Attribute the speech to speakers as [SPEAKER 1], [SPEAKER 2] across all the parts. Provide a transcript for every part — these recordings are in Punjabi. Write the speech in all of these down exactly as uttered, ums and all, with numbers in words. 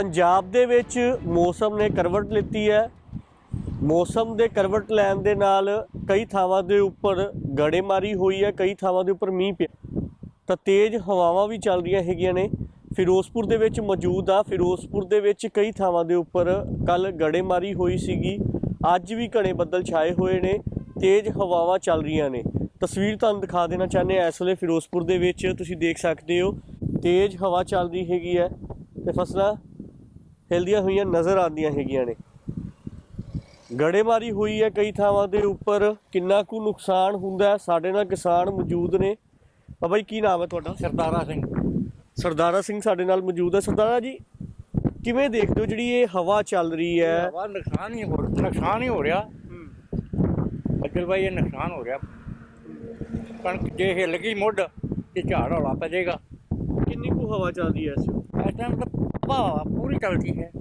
[SPEAKER 1] ਪੰਜਾਬ ਦੇ ਵਿੱਚ ਮੌਸਮ ਨੇ ਕਰਵਟ ਲਿੱਤੀ ਹੈ। ਮੌਸਮ ਦੇ ਕਰਵਟ ਲੈਣ ਦੇ ਨਾਲ ਕਈ ਥਾਵਾਂ ਦੇ ਉੱਪਰ ਗੜੇਮਾਰੀ ਹੋਈ ਹੈ, ਕਈ ਥਾਵਾਂ ਦੇ ਉੱਪਰ ਮੀਂਹ ਪਿਆ ਤਾਂ ਤੇਜ਼ ਹਵਾਵਾਂ ਵੀ ਚੱਲ ਰਹੀਆਂ ਹੈਗੀਆਂ ਨੇ। ਫਿਰੋਜ਼ਪੁਰ ਦੇ ਵਿੱਚ ਮੌਜੂਦ ਆ। ਫਿਰੋਜ਼ਪੁਰ ਦੇ ਵਿੱਚ ਕਈ ਥਾਵਾਂ ਦੇ ਉੱਪਰ ਕੱਲ ਗੜੇਮਾਰੀ ਹੋਈ ਸੀਗੀ। ਅੱਜ ਵੀ ਘਣੇ ਬੱਦਲ ਛਾਏ ਹੋਏ ਨੇ, ਤੇਜ਼ ਹਵਾਵਾਂ ਚੱਲ ਰਹੀਆਂ ਨੇ। ਤਸਵੀਰ ਤੁਹਾਨੂੰ ਦਿਖਾ ਦੇਣਾ ਚਾਹੁੰਦੇ ਹਾਂ। ਇਸ ਵੇਲੇ ਫਿਰੋਜ਼ਪੁਰ ਦੇ ਵਿੱਚ ਤੁਸੀਂ ਦੇਖ ਸਕਦੇ ਹੋ ਤੇਜ਼ ਹਵਾ ਚੱਲਦੀ ਹੈਗੀ ਹੈ ਤੇ ਫਸਲਾਂ ਹਿਲਦੀਆਂ ਹੋਈਆਂ ਨਜ਼ਰ ਆਉਂਦੀਆਂ ਹੈਗੀਆਂ ਨੇ। ਗੜੇਮਾਰੀ ਹੋਈ ਹੈ ਕਈ ਥਾਵਾਂ ਦੇ ਉੱਪਰ। ਕਿੰਨਾ ਕੁ ਨੁਕਸਾਨ ਹੁੰਦਾ, ਸਾਡੇ ਨਾਲ ਕਿਸਾਨ ਮੌਜੂਦ ਨੇ। ਬਾਬਾ ਜੀ ਕੀ ਨਾਮ ਹੈ ਤੁਹਾਡਾ?
[SPEAKER 2] ਸਰਦਾਰਾ ਸਿੰਘ।
[SPEAKER 1] ਸਰਦਾਰਾ ਸਿੰਘ ਸਾਡੇ ਨਾਲ ਮੌਜੂਦ ਹੈ। ਸਰਦਾਰਾ ਜੀ ਕਿਵੇਂ ਦੇਖਦੇ ਹੋ ਜਿਹੜੀ ਇਹ ਹਵਾ ਚੱਲ ਰਹੀ ਹੈ?
[SPEAKER 2] ਹਵਾ ਨੁਕਸਾਨ ਹੀ ਹੋ ਨੁਕਸਾਨ ਹੀ ਹੋ ਰਿਹਾ ਬੱਦਲ ਭਾਈ, ਇਹ ਨੁਕਸਾਨ ਹੋ ਰਿਹਾ। ਕਣਕ ਜੇ ਹਿੱਲ ਗਈ ਮੁੱਢ ਤੇ ਝਾੜ ਹੌਲਾ ਪੈ ਜਾਏਗਾ।
[SPEAKER 1] ਕਿੰਨੀ ਕੁ ਹਵਾ ਚੱਲਦੀ ਹੈ ਇਸ ਵੇਲੇ?
[SPEAKER 2] ਇਸ ਟਾਈਮ ਤਾਂ ਹਵਾ ਪੂਰੀ ਚੱਲਦੀ ਹੈ।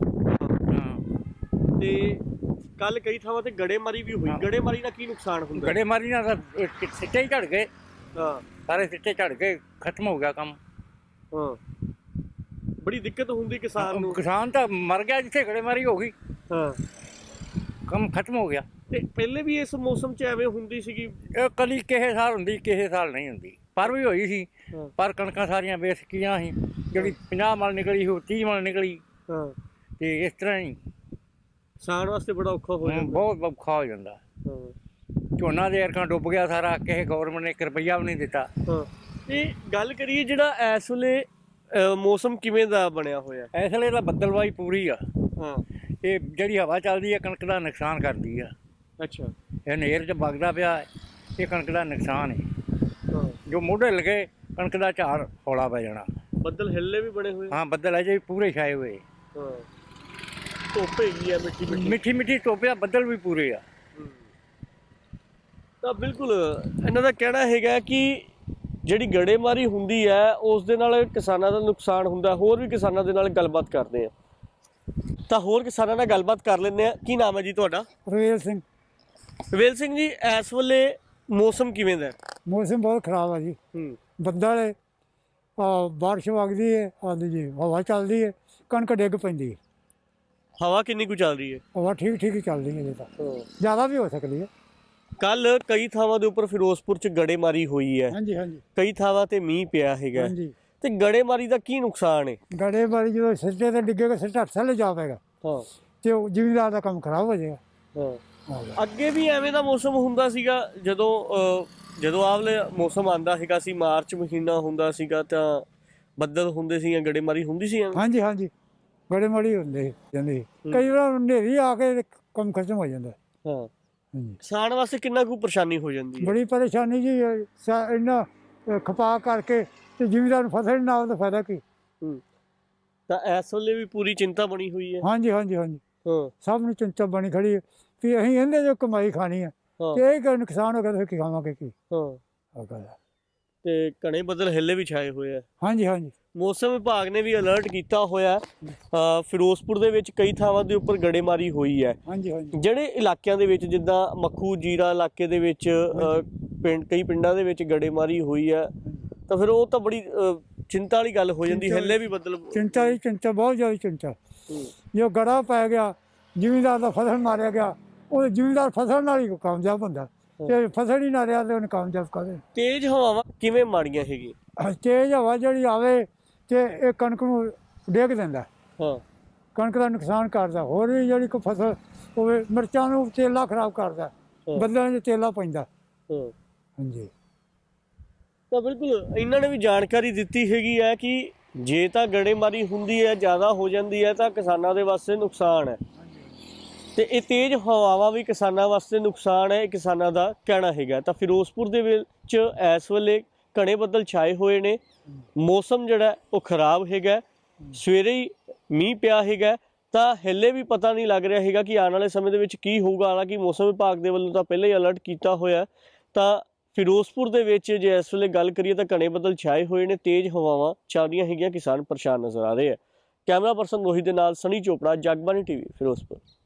[SPEAKER 2] ਹਾਂ,
[SPEAKER 1] ਤੇ ਕੱਲ ਕਈ ਥਾਵਾਂ ਤੇ ਗੜੇਮਾਰੀ ਵੀ ਹੋਈ। ਗੜੇਮਾਰੀ ਨਾਲ ਕੀ ਨੁਕਸਾਨ ਹੁੰਦਾ?
[SPEAKER 2] ਗੜੇਮਾਰੀ ਨਾਲ ਤਾਂ ਸਿੱਟੇ ਹੀ ਝੜ ਗਏ।
[SPEAKER 1] ਹਾਂ,
[SPEAKER 2] ਸਾਰੇ ਸਿੱਟੇ ਝੜ ਗਏ, ਖਤਮ ਹੋ ਗਿਆ ਕੰਮ।
[SPEAKER 1] ਹਾਂ, ਬੜੀ ਦਿੱਕਤ ਹੁੰਦੀ ਕਿਸਾਨ ਨੂੰ।
[SPEAKER 2] ਕਿਸਾਨ ਤਾਂ ਮਰ ਗਿਆ ਜਿੱਥੇ ਗੜੇਮਾਰੀ ਹੋ ਗਈ।
[SPEAKER 1] ਹਾਂ,
[SPEAKER 2] ਕੰਮ ਖਤਮ ਹੋ ਗਿਆ।
[SPEAKER 1] ਤੇ ਪਹਿਲੇ ਵੀ ਇਸ ਮੌਸਮ 'ਚ ਐਵੇਂ ਹੁੰਦੀ ਸੀਗੀ?
[SPEAKER 2] ਇਹ ਕਦੀ ਕਿਸੇ ਸਾਲ ਹੁੰਦੀ, ਕਿਸੇ ਸਾਲ ਨਹੀਂ ਹੁੰਦੀ। ਪਰ ਵੀ ਹੋਈ ਸੀ, ਪਰ ਕਣਕਾਂ ਸਾਰੀਆਂ ਬੇਸਕੀਆਂ ਸੀ। ਜਿਹੜੀ ਪੰਜਾਹ ਮਣ ਨਿਕਲੀ ਸੀ ਉਹ ਤੀਹ ਮਣ ਨਿਕਲੀ।
[SPEAKER 1] ਹਾਂ,
[SPEAKER 2] ਤੇ ਇਸ ਤਰ੍ਹਾਂ ਹੀ
[SPEAKER 1] ਕਿਸਾਨ ਵਾਸਤੇ ਬੜਾ ਔਖਾ ਹੋ ਜਾਂਦਾ।
[SPEAKER 2] ਬਹੁਤ ਔਖਾ ਹੋ ਜਾਂਦਾ।
[SPEAKER 1] ਹਾਂ,
[SPEAKER 2] ਝੋਨਾ ਦੇ ਅਰਕਾਂ ਡੁੱਬ ਗਿਆ ਸਾਰਾ। ਕਿਸੇ ਗੌਰਮੈਂਟ ਨੇ ਇੱਕ ਰੁਪਈਆ ਵੀ ਨਹੀਂ ਦਿੱਤਾ।
[SPEAKER 1] ਹਾਂ। ਇਹ ਗੱਲ ਕਰੀਏ ਜਿਹੜਾ ਇਸ ਵੇਲੇ ਮੌਸਮ ਕਿਵੇਂ ਦਾ ਬਣਿਆ ਹੋਇਆ?
[SPEAKER 2] ਇਸ ਵੇਲੇ ਤਾਂ ਬੱਦਲਵਾਈ ਪੂਰੀ ਆ।
[SPEAKER 1] ਹਾਂ,
[SPEAKER 2] ਇਹ ਜਿਹੜੀ ਹਵਾ ਚੱਲਦੀ ਹੈ ਕਣਕ ਦਾ ਨੁਕਸਾਨ ਕਰਦੀ ਆ।
[SPEAKER 1] ਅੱਛਾ।
[SPEAKER 2] ਇਹ ਨੇਰ 'ਚ ਵਗਦਾ ਪਿਆ, ਇਹ ਕਣਕ ਦਾ ਨੁਕਸਾਨ ਹੈ।
[SPEAKER 1] ਹਾਂ,
[SPEAKER 2] ਜੋ ਮੋਢੇ ਲਗੇ ਕਣਕ ਦਾ ਝਾੜ ਹੌਲਾ ਪੈ ਜਾਣਾ।
[SPEAKER 1] ਬੱਦਲ ਹਿੱਲੇ ਵੀ ਬਣੇ ਹੋਏ।
[SPEAKER 2] ਹਾਂ, ਬੱਦਲ ਅਜੇ ਵੀ ਪੂਰੇ ਛਾਏ ਹੋਏ।
[SPEAKER 1] ਹਾਂ, ਧੁੱਪ ਹੈਗੀ ਆ ਮਿੱਠੀ ਮਿੱਠੀ
[SPEAKER 2] ਮਿੱਠੀ ਮਿੱਠੀ ਧੁੱਪ ਆ, ਬੱਦਲ ਵੀ ਪੂਰੇ ਆ।
[SPEAKER 1] ਤਾਂ ਬਿਲਕੁਲ ਇਹਨਾਂ ਦਾ ਕਹਿਣਾ ਹੈਗਾ ਕਿ ਜਿਹੜੀ ਗੜੇਮਾਰੀ ਹੁੰਦੀ ਹੈ ਉਸ ਦੇ ਨਾਲ ਕਿਸਾਨਾਂ ਦਾ ਨੁਕਸਾਨ ਹੁੰਦਾ। ਹੋਰ ਵੀ ਕਿਸਾਨਾਂ ਦੇ ਨਾਲ ਗੱਲਬਾਤ ਕਰਦੇ ਆ ਤਾਂ ਹੋਰ ਕਿਸਾਨਾਂ ਨਾਲ ਗੱਲਬਾਤ ਕਰ ਲੈਂਦੇ ਆ। ਕੀ ਨਾਮ ਹੈ ਜੀ ਤੁਹਾਡਾ?
[SPEAKER 3] ਰਵੇਲ ਸਿੰਘ।
[SPEAKER 1] ਰਵੇਲ ਸਿੰਘ ਜੀ, ਇਸ ਵੇਲੇ ਮੌਸਮ ਕਿਵੇਂ ਦਾ?
[SPEAKER 3] ਮੌਸਮ ਬਹੁਤ ਖਰਾਬ ਆ ਜੀ।
[SPEAKER 1] ਹੂੰ,
[SPEAKER 3] ਬੱਦਲ ਹੈ, ਬਾਰਿਸ਼ ਵਗਦੀ ਹੈ, ਆਉਂਦੀ ਜੀ ਹਵਾ ਚੱਲਦੀ ਹੈ, ਕਣਕ ਡਿੱਗ ਪੈਂਦੀ ਹੈ।
[SPEAKER 1] ਹਵਾ ਕਿੰਨੀ ਕੁ ਚੱਲ ਰਹੀ ਹੈ?
[SPEAKER 3] ਹਵਾ ਠੀਕ ਠੀਕ ਹੀ ਚੱਲਦੀ ਹੈ। ਜੇ ਤਾਂ ਜ਼ਿਆਦਾ ਵੀ ਹੋ ਸਕਦੀ ਹੈ।
[SPEAKER 1] ਕੱਲ ਕਈ ਥਾਵਾਂ ਦੇ ਉੱਪਰ ਫਿਰੋਜ਼ਪੁਰ 'ਚ ਗੜੇਮਾਰੀ ਹੋਈ ਹੈ।
[SPEAKER 3] ਹਾਂਜੀ ਹਾਂਜੀ
[SPEAKER 1] ਕਈ ਥਾਵਾਂ ਤੇ ਮੀਂਹ ਪਿਆ ਹੈਗਾ।
[SPEAKER 3] ਹਾਂਜੀ।
[SPEAKER 1] ਤੇ ਗੜੇਮਾਰੀ ਦਾ ਕੀ ਨੁਕਸਾਨ ਹੈ?
[SPEAKER 3] ਗੜੇਮਾਰੀ ਜਦੋਂ ਸਿੱਟੇ ਤੇ ਡਿੱਗੇਗਾ, ਸਿੱਟਾ ਥੱਲੇ ਜਾ ਪਏਗਾ
[SPEAKER 1] ਹਾਂ,
[SPEAKER 3] ਤੇ ਉਹ ਜ਼ਿਮੀਦਾਰ ਦਾ ਕੰਮ ਖਰਾਬ ਹੋ ਜਾਏਗਾ।
[SPEAKER 1] ਹਾਂ, ਅੱਗੇ ਵੀ ਐਵੇਂ ਦਾ ਮੌਸਮ ਹੁੰਦਾ ਸੀਗਾ ਜਦੋਂ ਅਹ, ਜਦੋਂ ਆਵਲੇ ਮੌਸਮ ਆਉਂਦਾ ਹੈਗਾ ਸੀ, ਮਾਰਚ ਮਹੀਨਾ ਹੁੰਦਾ ਸੀਗਾ ਤਾਂ ਬੱਦਲ ਹੁੰਦੇ ਸੀ, ਗੜੇਮਾਰੀ ਹੁੰਦੀ ਸੀ।
[SPEAKER 3] ਹਾਂਜੀ ਹਾਂਜੀ, ਗੜੇਮਾਰੀ ਹੁੰਦੇ ਜਾਂਦੇ। ਕਈ ਵਾਰ ਹਨੇਰੀ ਆ ਕੇ ਕੰਮ ਖਤਮ ਹੋ ਜਾਂਦਾ।
[SPEAKER 1] ਹਾਂ,
[SPEAKER 3] ਹਾਂਜੀ।
[SPEAKER 1] ਕਿਸਾਨ ਵਾਸਤੇ ਕਿੰਨਾ ਕੁ ਪਰੇਸ਼ਾਨੀ ਹੋ ਜਾਂਦੀ ਹੈ?
[SPEAKER 3] ਬੜੀ ਪਰੇਸ਼ਾਨੀ ਜੀ। ਇੰਨਾ ਖਪਾ ਕਰਕੇ ਤੇ ਜ਼ਿਮੀਦਾਰ ਨੂੰ ਫਸਲ ਨਾ ਆਵੇ ਤਾਂ ਫਾਇਦਾ ਕੀ?
[SPEAKER 1] ਹੂੰ, ਤਾਂ ਇਸ ਵੇਲੇ ਵੀ ਪੂਰੀ ਚਿੰਤਾ ਬਣੀ ਹੋਈ ਹੈ।
[SPEAKER 3] ਹਾਂਜੀ ਹਾਂਜੀ ਹਾਂਜੀ,
[SPEAKER 1] ਹਾਂ,
[SPEAKER 3] ਸਭ ਨੂੰ ਚਿੰਤਾ ਬਣੀ ਖੜੀ ਹੈ ਵੀ ਅਸੀਂ ਇਹਦੇ ਜੋ ਕਮਾਈ ਖਾਣੀ ਹੈ ਤੇ ਇਹ ਕਿ ਨੁਕਸਾਨ ਹੋ ਗਿਆ ਤਾਂ ਫਿਰ ਕੀ ਖਾਵਾਂਗੇ ਕੀ?
[SPEAKER 1] ਹਾਂ,
[SPEAKER 3] ਆਹ ਗੱਲ ਹੈ।
[SPEAKER 1] ਤੇ ਘਣੇ ਬੱਦਲ ਹਿੱਲੇ ਵੀ ਛਾਏ ਹੋਏ ਆ।
[SPEAKER 3] ਹਾਂਜੀ ਹਾਂਜੀ।
[SPEAKER 1] ਮੌਸਮ ਵਿਭਾਗ ਨੇ ਵੀ ਅਲਰਟ ਕੀਤਾ ਹੋਇਆ। ਫਿਰੋਜ਼ਪੁਰ ਦੇ ਵਿੱਚ ਕਈ ਥਾਵਾਂ ਦੇ ਉੱਪਰ ਗੜੇਮਾਰੀ ਹੋਈ ਹੈ।
[SPEAKER 3] ਹਾਂਜੀ ਹਾਂਜੀ।
[SPEAKER 1] ਜਿਹੜੇ ਇਲਾਕਿਆਂ ਦੇ ਵਿੱਚ ਜਿੱਦਾਂ ਮੱਖੂ ਜੀਰਾ ਇਲਾਕੇ ਦੇ ਵਿੱਚ ਅ, ਪਿੰਡ ਕਈ ਪਿੰਡਾਂ ਦੇ ਵਿੱਚ ਗੜੇਮਾਰੀ ਹੋਈ ਹੈ ਤਾਂ ਫਿਰ ਉਹ ਤਾਂ ਬੜੀ ਅ, ਚਿੰਤਾ ਵਾਲੀ ਗੱਲ ਹੋ ਜਾਂਦੀ। ਹਿੱਲੇ ਵੀ ਬੱਦਲ।
[SPEAKER 3] ਚਿੰਤਾ ਹੀ ਚਿੰਤਾ, ਬਹੁਤ ਜ਼ਿਆਦਾ ਚਿੰਤਾ।
[SPEAKER 1] ਹੂੰ,
[SPEAKER 3] ਜੋ ਗੜਾ ਪੈ ਗਿਆ, ਜ਼ਿਮੀਦਾਰ ਦਾ ਫਸਲ ਮਾਰਿਆ ਗਿਆ, ਉਹ ਜ਼ਿਮੀਦਾਰ ਫਸਲ ਨਾਲ ਹੀ ਕਾਮਯਾਬ ਹੁੰਦਾ ਤੇ ਫਸਲ ਹੀ ਨਾ ਰਿਹਾ ਤੇ ਉਹਨੇ ਕਾਮਯਾਬ ਕਰੇ।
[SPEAKER 1] ਤੇਜ਼ ਹਵਾਵਾਂ ਕਿਵੇਂ ਮਾੜੀਆਂ ਹੈਗੀਆਂ?
[SPEAKER 3] ਤੇਜ਼ ਹਵਾ ਜਿਹੜੀ ਆਵੇ ਤੇ ਇਹ ਕਣਕ ਨੂੰ ਡੇਗ ਦਿੰਦਾ।
[SPEAKER 1] ਹਾਂ,
[SPEAKER 3] ਕਣਕ ਦਾ ਨੁਕਸਾਨ ਕਰਦਾ। ਹੋਰ ਵੀ ਜਿਹੜੀ ਕੋਈ ਫਸਲ ਹੋਵੇ, ਮਿਰਚਾਂ ਨੂੰ ਤੇਲਾ ਖਰਾਬ ਕਰਦਾ, ਬੱਦਲਾਂ 'ਚ ਤੇਲਾ ਪੈਂਦਾ।
[SPEAKER 1] ਹਾਂ,
[SPEAKER 3] ਹਾਂਜੀ।
[SPEAKER 1] ਤਾਂ ਬਿਲਕੁਲ ਇਹਨਾਂ ਨੇ ਵੀ ਜਾਣਕਾਰੀ ਦਿੱਤੀ ਹੈਗੀ ਹੈ ਕਿ ਜੇ ਤਾਂ ਗੜੇਮਾਰੀ ਹੁੰਦੀ ਹੈ, ਜ਼ਿਆਦਾ ਹੋ ਜਾਂਦੀ ਹੈ ਤਾਂ ਕਿਸਾਨਾਂ ਦੇ ਵਾਸਤੇ ਨੁਕਸਾਨ ਹੈ ਤੇ ਇਹ ਤੇਜ਼ ਹਵਾਵਾਂ ਵੀ ਕਿਸਾਨਾਂ ਵਾਸਤੇ ਨੁਕਸਾਨ ਹੈ, ਇਹ ਕਿਸਾਨਾਂ ਦਾ ਕਹਿਣਾ ਹੈਗਾ। ਤਾਂ ਫਿਰੋਜ਼ਪੁਰ ਦੇ ਵਿੱਚ ਇਸ ਵੇਲੇ ਘਣੇ ਬੱਦਲ ਛਾਏ ਹੋਏ ਨੇ। ਮੌਸਮ ਜਿਹੜਾ ਉਹ ਖਰਾਬ ਹੈਗਾ। ਸਵੇਰੇ ਹੀ ਮੀਂਹ ਪਿਆ ਹੈਗਾ ਤਾਂ ਹਿੱਲੇ ਵੀ ਪਤਾ ਨਹੀਂ ਲੱਗ ਰਿਹਾ ਹੈਗਾ ਕਿ ਆਉਣ ਵਾਲੇ ਸਮੇਂ ਦੇ ਵਿੱਚ ਕੀ ਹੋਊਗਾ। ਹਾਲਾਂਕਿ ਮੌਸਮ ਵਿਭਾਗ ਦੇ ਵੱਲੋਂ ਤਾਂ ਪਹਿਲਾਂ ਹੀ ਅਲਰਟ ਕੀਤਾ ਹੋਇਆ। ਤਾਂ ਫਿਰੋਜ਼ਪੁਰ ਦੇ ਵਿੱਚ ਜੇ ਇਸ ਵੇਲੇ ਗੱਲ ਕਰੀਏ ਤਾਂ ਘਣੇ ਬੱਦਲ ਛਾਏ ਹੋਏ ਨੇ, ਤੇਜ਼ ਹਵਾਵਾਂ ਚੱਲ ਰਹੀਆਂ ਹੈਗੀਆਂ। ਕਿਸਾਨ ਪਰੇਸ਼ਾਨ ਨਜ਼ਰ ਆ ਰਹੇ ਆ। ਕੈਮਰਾ ਪਰਸਨ ਰੋਹਿਤ ਦੇ ਨਾਲ ਸਨੀ ਚੋਪੜਾ, ਜਗਬਾਣੀ ਟੀਵੀ, ਫਿਰੋਜ਼ਪੁਰ।